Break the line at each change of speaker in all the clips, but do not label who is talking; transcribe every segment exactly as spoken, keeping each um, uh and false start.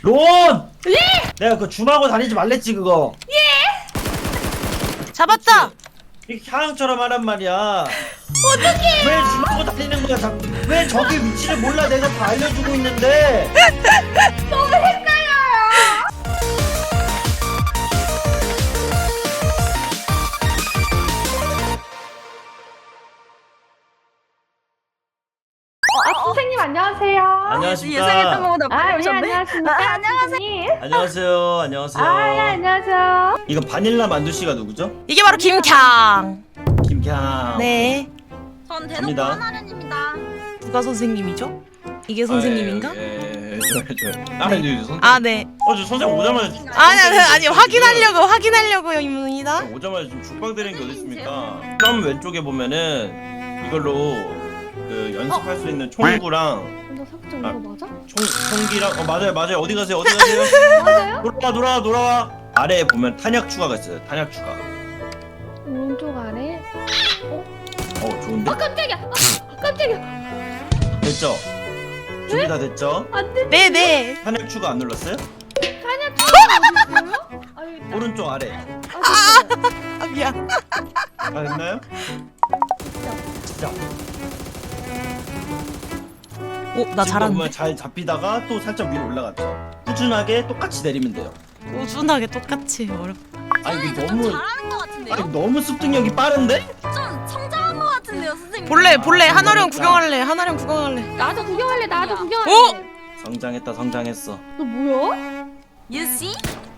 론!
예?
내가 그 줌하고 다니지 말랬지 그거.
잡았다.
이렇게 향처럼 하란 말이야. 어떡해. 왜 줌하고 다니는 거야 자꾸. 왜 저기 위치를 몰라. 내가 다 알려주고 있는데.
너무 헷갈려요. 아, 선생님 안녕하세요.
안녕하십니까.
예상했던 것보다
아,
빨리
예,
오셨네.
안녕하십니까.
아, 안녕하세요.
선생님.
안녕하세요. 안녕하세요.
아, 예, 안녕하세요.
이거 바닐라 만두씨가 누구죠?
이게 바로 김캉.
김캬.
네.
전
갑니다.
대놓고 하나는입니다.
누가 선생님이죠? 이게 선생님인가?
예, 예, 예, 저, 저. 아, 네, 선생님.
아, 네.
어, 저 선생님 오자마자.
아니, 아니, 아니, 확인하려고, 확인하려고요, 입니다.
오자마자 지금 죽방 때리는 게 어디 있습니까? 점 왼쪽에 보면은 이걸로 그 연습할 수 있는 총구랑
너 석정
아.
이거 맞아?
총 총기랑 어 맞아요 맞아요 어디 가세요 어디 가세요?
맞아요?
돌아와 돌아와 돌아와. 아래에 보면 탄약 추가가 있어요. 탄약 추가.
오른쪽 아래.
어 좋은데?
아, 깜짝이야. 아, 깜짝이야.
됐죠? 준비 다 됐죠?
안 돼.
네네.
탄약 추가 안 눌렀어요?
사냐 어디 있어요? 아, 여기 있다.
오른쪽 아래.
아, 됐어요.
아, 미안.
다 됐나요? 진짜.
오, 나
지금
잘하는데.
보면 잘 잡히다가 또 살짝 위로 올라갔죠. 꾸준하게 똑같이 내리면 돼요.
꾸준하게 똑같이 어렵.
아니
저는
이거
좀
너무
잘하는 것 같은데요?
아니 너무 습득력이 빠른데?
좀 성장한 것 같은데요, 선생님?
볼래, 볼래.
아,
한화령
진짜.
구경할래. 한화령 구경할래.
나도 구경할래. 나도
야.
구경할래.
어?
성장했다 성장했어.
너 뭐야?
You see?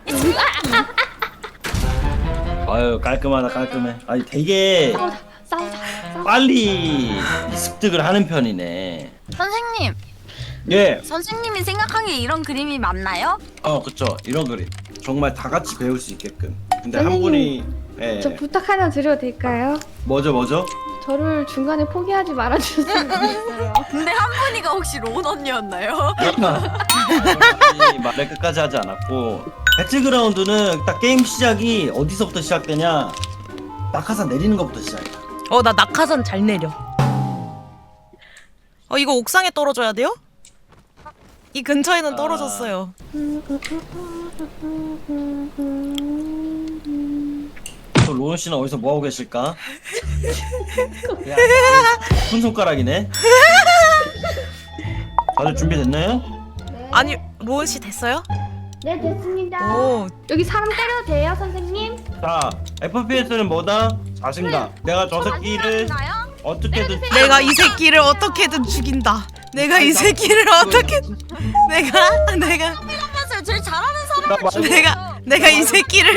아유 깔끔하다 깔끔해. 아니 되게
싸우자. 싸우자. 싸우자.
빨리 습득을 하는 편이네.
선생님,
예.
선생님이 생각하기에 이런 그림이 맞나요?
어 그쵸 이런 그림 정말 다 같이 배울 수 있게끔. 근데 한
선생님,
분이 예.
저 부탁 하나 드려도 될까요?
뭐죠 뭐죠?
저를 중간에 포기하지 말아주셨으면 좋겠어요.
근데 한 분이가 혹시 로운 언니였나요?
아니, 말을 끝까지 하지 않았고 배틀그라운드는 딱 게임 시작이 어디서부터 시작되냐 낙하산 내리는 것부터 시작이야.
어, 나 낙하산 잘 내려. 어, 이거 옥상에 떨어져야 돼요? 이 근처에는
아.
떨어졌어요.
또 로운 씨는 어디서 뭐 하고 계실까? 야, 큰 손가락이네. 다들 준비됐나요?
네.
아니, 로운 씨 됐어요?
네, 됐습니다.
오,
여기 사람 때려도 돼요, 선생님?
자, 에프피에스는 뭐다? 자신감. 내가 저 새끼를
맞나요?
어떻게든
내가 이 새끼를 어떻게든 죽인다. 내가 이 새끼를 어떻게 내가 내가
하면서 제일 잘하는 사람을
나
죽여요.
내가 내가 이 새끼를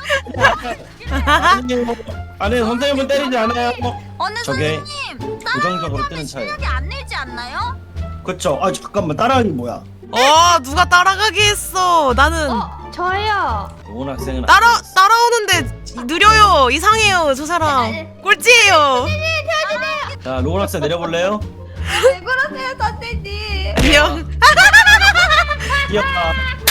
아니, 아니 선생님은 때리지 않아요.
어느
저게
선생님,
부정적으로 뜨는 차이.
실력이 안 늘지 않나요?
그쵸? 아 잠깐만 따라하기 뭐야?
어 누가 따라가게 했어. 나는
어, 저예요.
로운 학생은
따라
안 됐어.
따라오는데 느려요. 이상해요. 저 사람 꼴찌예요.
자, 로운 학생 내려볼래요?
왜 그러세요, 선생님?
안녕.
뛰어봐.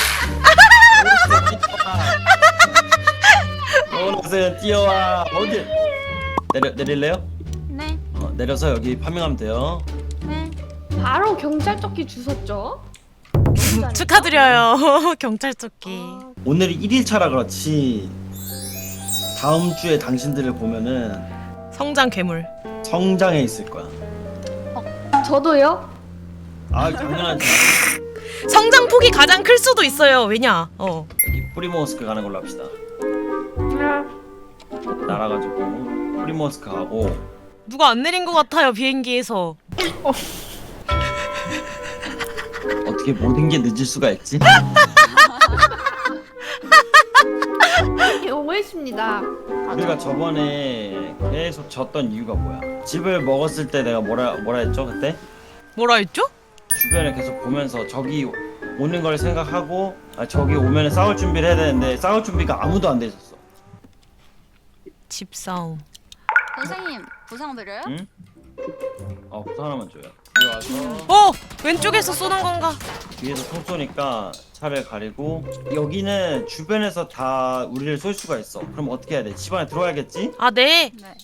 로운 학생 뛰어와. 어디? 내려 내릴래요?
네,
어, 내려서 여기 파밍하면 돼요.
네.
바로 경찰조끼 주셨죠?
축하드려요. 경찰 조끼.
오늘이 일 일차라 그렇지 다음 주에 당신들을 보면은
성장 괴물.
성장해 있을 거야.
저도요?
아 당연하지.
성장 폭이 가장 클 수도 있어요. 왜냐? 어.
여기 프리모스크 가는 걸로 합시다.
네.
날아가지고 프리모스크 가고.
누가 안 내린 것 같아요 비행기에서.
어떻게 모든 게 늦을 수가 있지?
오해했습니다.
우리가 저번에 계속 졌던 이유가 뭐야? 집을 먹었을 때 내가 뭐라 뭐라 했죠 그때?
뭐라 했죠?
주변에 계속 보면서 적이 오는 걸 생각하고 아 적이 오면 싸울 준비를 해야 되는데 싸울 준비가 아무도 안 돼 있었어.
집 싸움.
선생님, 부상 드려요?
응? 어 부산 하나만 줘요. 여기 와서
어 왼쪽에서 쏘는 건가?
뒤에서 총 쏘니까 차를 가리고 여기는 주변에서 다 우리를 쏠 수가 있어. 그럼 어떻게 해야 돼? 집 안에 들어와야겠지?
아 네.
네.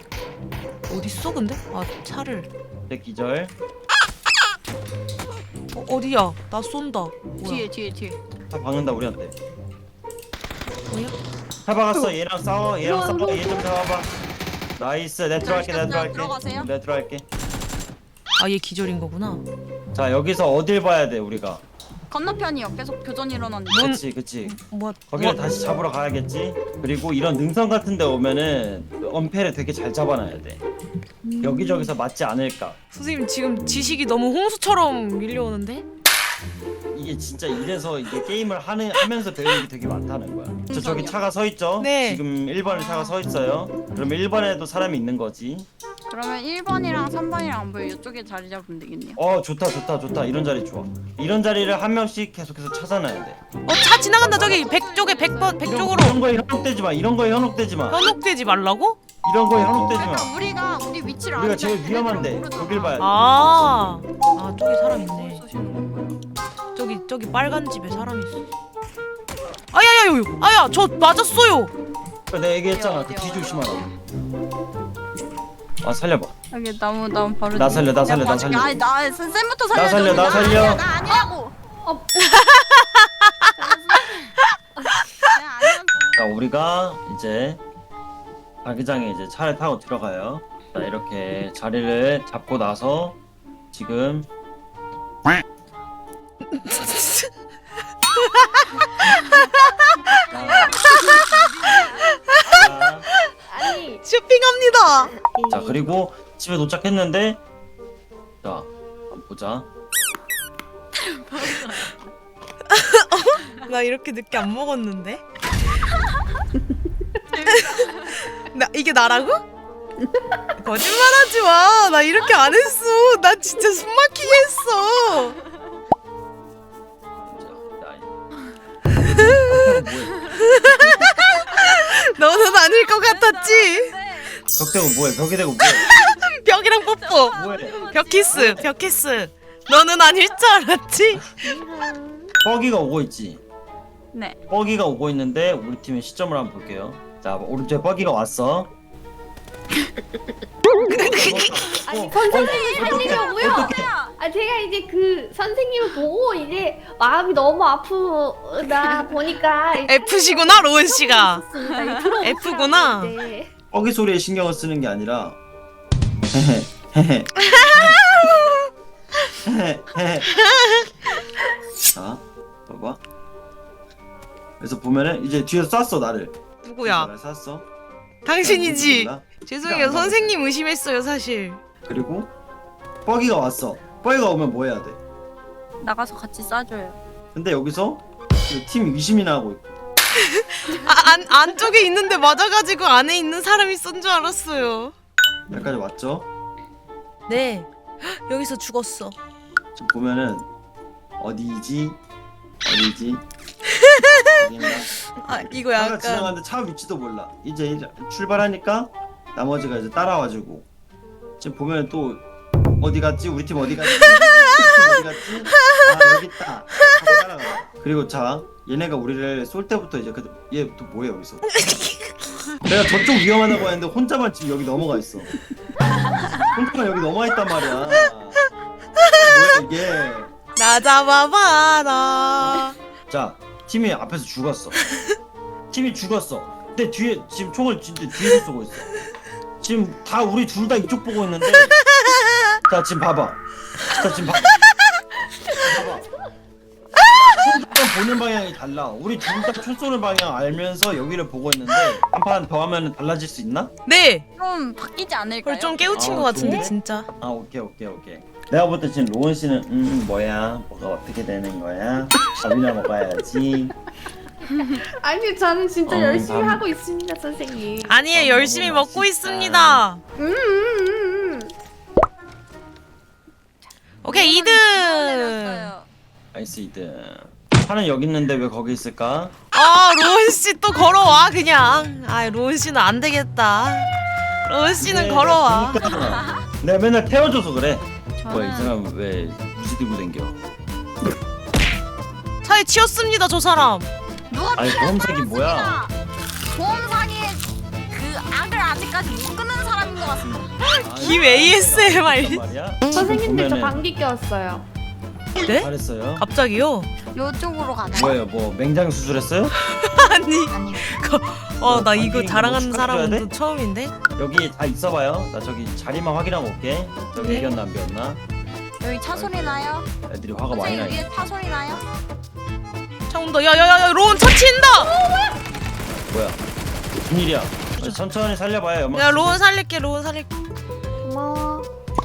어디 있어 근데? 아 차를.
내 기절.
어, 어디야? 나 쏜다. 뭐야?
뒤에 뒤에 뒤에.
다 박는다 우리한테.
뭐야?
다 박았어. 얘랑 싸워. 얘랑
들어와,
싸워. 얘 좀 잡아봐. 나이스. 내 들어갈게. 내 들어갈게.
들어가세요.
내 들어갈게.
아, 얘 기절인 거구나.
자 여기서 어딜 봐야 돼 우리가.
건너편이요. 계속 교전 일어났는데.
뭔-
그치 그치.
뭐?
거기를
뭐-
다시 잡으러 가야겠지. 그리고 이런 능선 같은 데 오면은 엄폐를 되게 잘 잡아놔야 돼. 여기저기서 맞지 않을까.
선생님 지금 지식이 너무 홍수처럼 밀려오는데?
이게 진짜 이래서 이게 게임을 하는, 하면서 배우는 게 되게 많다는 거야. 저 저기 차가 서 있죠?
네.
지금 일 번에 차가 서 있어요. 그러면 일 번에도 사람이 있는 거지.
그러면 일 번이랑 삼 번이랑 안 보여. 이쪽에 자리 잡으면 되겠네요.
어 좋다 좋다 좋다. 이런 자리 좋아. 이런 자리를 한 명씩 계속해서 찾아놔야 돼.
어, 차 지나간다. 저기 백 쪽에 백 번 백
이런,
쪽으로.
이런 거에 현혹되지 마. 이런 거에 현혹되지 마.
현혹되지 말라고?
이런 거에 현혹되지 마.
그러니까 우리가 우리 위치를
우리가
아니까
제일
걔네들은
위험한데
모르잖아.
거길 봐야 돼.
아, 아 저기 사람 있네.
쏘시는 거예요?
저기 저기 빨간 집에 사람이 있어. 아야야요, 아야 저 맞았어요.
그러니까 내가 얘기했잖아.
어디요,
그 뒤
어디요?
조심하라고. 아 살려봐.
여기 나무 나무 바로.
나 살려, 나
내가
살려, 나
봐줄게.
살려.
아니 나 쌤부터 살려.
나 살려, 나 살려.
아니야, 나 아니라고.
어.
나 아니야.
자 우리가 이제 자기장에 이제 차를 타고 들어가요. 자 이렇게 자리를 잡고 나서 지금 자,
아니.
쇼핑합니다.
자 그리고 집에 도착했는데 자 한번 보자.
나 이렇게 늦게 안 먹었는데? 나 이게 나라고? 거짓말하지 마. 나 이렇게 안 했어. 나 진짜 숨 막히게 했어. 너는 아닐 것 같았지?
벽 대고 뭐해? 벽에 대고 뭐해?
벽이랑 뽀뽀.
뭐해?
벽 키스. 벽 키스. 너는 아닐 줄 알았지?
뻐기가 오고 있지.
네.
뻐기가 오고 있는데 우리 팀의 시점을 한번 볼게요. 자 오른쪽에 뻐기가 왔어.
아니
어,
선생님이
어떡해,
살리려고요.
어떡해.
아 제가 이제 그 선생님을 보고 이제 마음이 너무 아프다 보니까
F시구나 로운 씨가.
들어오고
F구나.
살았는데.
뻐기 소리에 신경을 쓰는 게 아니라 헤헤 헤헤 헤헤 헤헤. 자 봐봐. 그래서 보면은 이제 뒤에서 쐈어 나를.
누구야?
나를 쐈어.
당신이지.
몰라.
죄송해요. 선생님 의심했어요 사실.
그리고 뻐기가 왔어. 뻐기가 오면 뭐 해야 돼?
나가서 같이 싸줘요.
근데 여기서 그팀 의심이나 하고 있고.
아, 안 안쪽에 있는데 맞아가지고 안에 있는 사람이 쏜 줄 알았어요.
여기까지 왔죠?
네. 헉, 여기서 죽었어.
지금 보면은 어디지? 어디지? 어딘가?
아 이거
차가
약간
지나가는데 차 위치도 몰라. 이제 이제 출발하니까 나머지가 이제 따라와주고. 지금 보면 또 어디 갔지? 우리 팀 어디 갔지? 우리 팀 어디 갔지? 아 여기 있다. 하고 따라가. 그리고 자 얘네가 우리를 쏠 때부터 이제 얘 또 뭐해 여기서? 내가 저쪽 위험하다고 했는데 혼자만 지금 여기 넘어가 있어. 혼자만 여기 넘어가 있단 말이야. 뭐야 이게?
나 잡아봐라.
자 팀이 앞에서 죽었어. 팀이 죽었어. 근데 뒤에 지금 총을 진짜 뒤에서 쏘고 있어. 지금 다 우리 둘 다 이쪽 보고 있는데. 자 지금 봐봐. 자 지금 봐. 봐봐. 총 보는 방향이 달라. 우리 둘 다 총 쏘는 방향 알면서 여기를 보고 있는데 한 판 더 하면 달라질 수 있나?
네.
좀 바뀌지 않을까요?
그걸 좀 깨우친
아,
것 같은데
좋은데?
진짜.
아 오케이 오케이 오케이. 내가 볼 때 지금 로운 씨는 음 뭐야 뭐가 어떻게 되는 거야? 밥이나 먹어야지.
아니 저는 진짜
어,
열심히
남-
하고 있습니다 선생님.
아니에요.
아,
열심히
너무
먹고
맛있다.
있습니다.
음, 음, 음, 음.
오케이 이 등.
내렸어요.
나이스 이등. 차는 여기 있는데 왜 거기 있을까?
아 로운 씨 또 걸어와 그냥. 아 로운 씨는 안 되겠다. 로운 씨는
네,
걸어와.
그러니까. 내가 맨날 태워줘서 그래. 뭐야 이
저는
사람 왜 무지 들고 댕겨?
차에 치였습니다 저 사람.
누가
아니
피를
보험색이 뭐야?
뿌렸습니다. 보험 사기의 그 악을 아직까지 못 끊는 사람인 것 같습니다.
김 에이에스엠알.
말이야?
선생님들 저
보면은-
방귀 꼈어요.
네?
잘했어요.
갑자기요?
요쪽으로 가자.
뭐예요? 뭐 맹장 수술했어요?
아니
아니
어 나
뭐,
이거
관객
자랑하는
뭐
사람은
축하해줘야
또
돼?
처음인데?
여기 다 있어봐요. 나 저기 자리만 확인하고 올게. 저기
네.
비었나 안 비었나?
여기 차 소리 나요?
애들이 화가 많이
선생님
나네.
위에 차 소리 나요?
차 온다 야야야야 로운 차 친다!
뭐야? 무슨 일이야? 아니, 천천히 살려봐요. 연막.
야 로운 살릴게 로운 살릴게
고마워.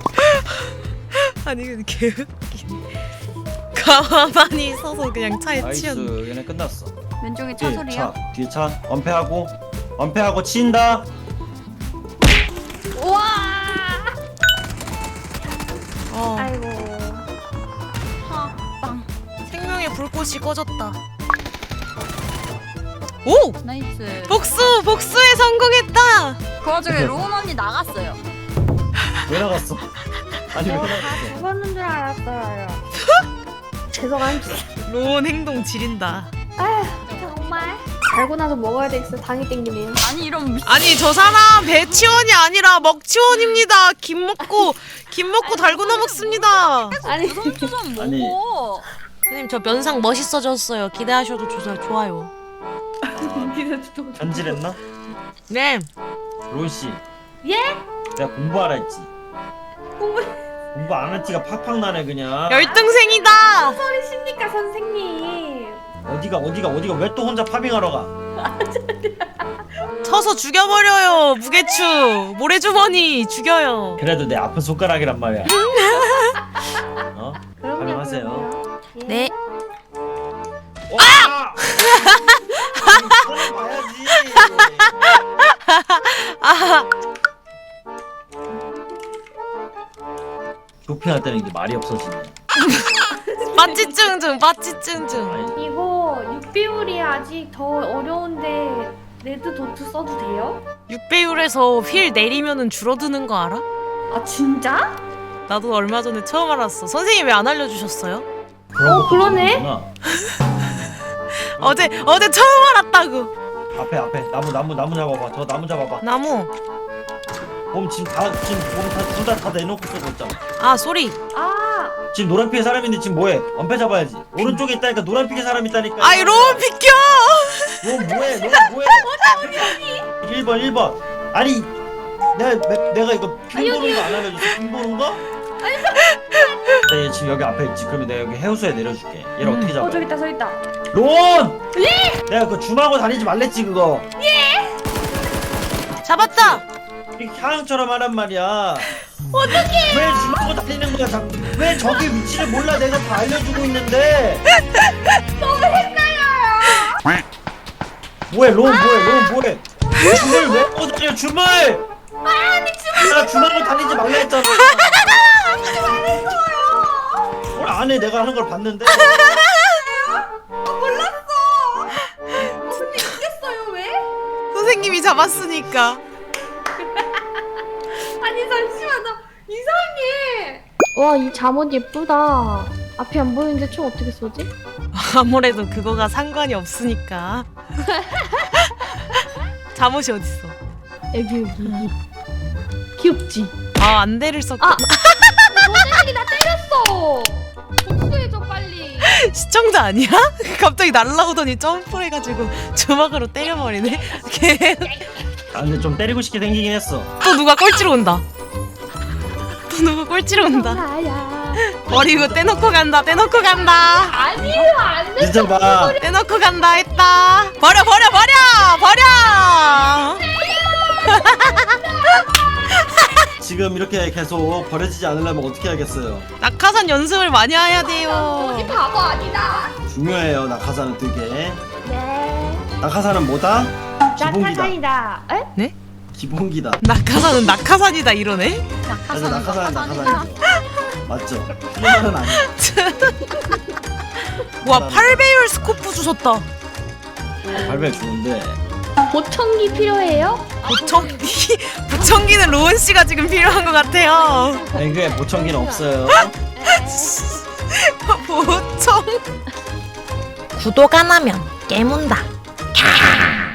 아니 근데 개웃기네 가만히 서서 그냥 차에
나이스.
치였네
얘네 끝났어.
왼쪽에 차
뒤에
소리요?
차, 뒤에 차. 엄폐하고, 엄폐하고 치인다.
우와.
어
아이고.
하, 빵.
생명의 불꽃이 꺼졌다 오!
나이스.
복수! 복수에 성공했다!
그 와중에 로운 언니 나갔어요.
왜 나갔어? 아니 왜
어, 다
나갔어?
죽었는 줄 알았어요. 죄송합니다.
로운 행동 지린다
아휴, 정말. 달고 나서 먹어야 되겠어. 당이 땡기네요.
아니 이런 미...
아니 저 사람 배치원이 아니라 먹치원입니다 김 먹고 김 먹고 달고나 먹습니다
아니,
주섬주섬
아니.
먹어.
선생님 저 면상 멋있어졌어요 기대하셔도 좋- 좋아요
현질했나?
네
로운 씨.
예?
내가 공부하라 했지.
공부
공부 안 한 티가 팍팍 나네 그냥.
열등생이다
소리십니까, 선생님?
어디가 어디가 어디가 왜 또 혼자 파밍하러 가?
쳐서 죽여버려요 무게추 모래주머니 죽여요
그래도 내 아픈 손가락이란 말이야. 어?
그럼요,
가능하세요.
그럼요. 예.
네
아! 봐야지.
아
쇼핑할 때는 이게 말이 없어지네.
빠찌증증 빠찌증증
아니,
이거 육 비율이 아직 더 어려운데 레드 도트 써도 돼요?
육 배율에서 휠 내리면은 줄어드는 거 알아?
아, 진짜?
나도 얼마 전에 처음 알았어 선생님 왜 안 알려주셨어요?
그런
어,
것도
그러네?
모르는구나.
어제 어제 처음 알았다고
앞에 앞에 나무 나무 나무 잡아봐. 저 나무 잡아봐.
나무
몸 지금 다 지금 몸다둘다다 내놓고 쓰고 있잖아.
아 소리
아,
지금 노란피의 사람인데 지금 뭐해? 엄폐 잡아야지. 오른쪽에 있다니까 노란피의 사람 있다니까.
아이 로운 비켜
너 뭐해? 너 뭐해? 일 번 일 번. 아니 내가 내, 내가 이거 핀
아니,
보는 거 안 알려줬어? 핀 보는 거? 네, 지금 여기 앞에 있지. 그러면 내가 여기 해우소에 내려줄게. 얘를
음.
어떻게 잡아?
어, 저기 있다, 저기 있다.
론! 예! 내가 그거 줌하고 다니지 말랬지 그거.
잡았다
이렇게 향처럼 하란 말이야. 어떡해? 왜 줌하고 다니는 거야? 자꾸. 왜 저기 위치를 몰라? 내가 다 알려주고 있는데.
너무 헷갈려요.
뭐해? 론 뭐해? 론 뭐해? 줌을 왜 하고 다녀? 줌을!
아니, 지금
내가 줌하고 다니지 말라 했잖아.
하지 말랬어요.
뭘 안 해? 내가 하는 걸 봤는데.
아, 몰랐어. 근데 이겼어요, 왜?
선생님이 잡았으니까
아니, 잠시만, 나 이상해. 와, 이 잠옷 예쁘다. 앞이 안 보이는데 총 어떻게 쏘지?
아무래도 그거가 상관이 없으니까 잠옷이 어딨어
여기, 여기. 귀엽지?
아 안대를 썼고
아! 선생님이 나 때렸어. 복수해줘, 빨리.
시청자 아니야? 갑자기 날라오더니 점프를 해가지고 주먹으로 때려버리네 걔
아 근데 좀 때리고 싶게 생기긴 했어.
또 누가 꼴찌로 온다 또 누가 꼴찌로 온다
나야.
머리 이거 떼놓고 간다 떼놓고 간다
아니에요, 안 돼.
진짜 봐.
떼놓고 간다 했다 버려 버려 버려 버려
지금 이렇게 계속 버려지지 않으려면 어떻게 하겠어요?
낙하산 연습을 많이 해야
어디
돼요
바보 아니다.
중요해요. 낙하산은 되게.
네.
낙하산은 뭐다? 기본기다.
낙하산이다. 에?
네?
기본기다.
낙하산은 낙하산이다 이러네
그래서
낙하산
낙하산은
낙하산이다.
낙하산이죠. 맞죠? 틀린 말은 아니야.
와 팔 배율 스코프 주셨다
발배 좋은데.
보청기 필요해요?
보청기 보청기는 로운 씨가 지금 필요한 것 같아요
아니 그게 보청기는 없어요.
보청 구독 안 하면 깨문다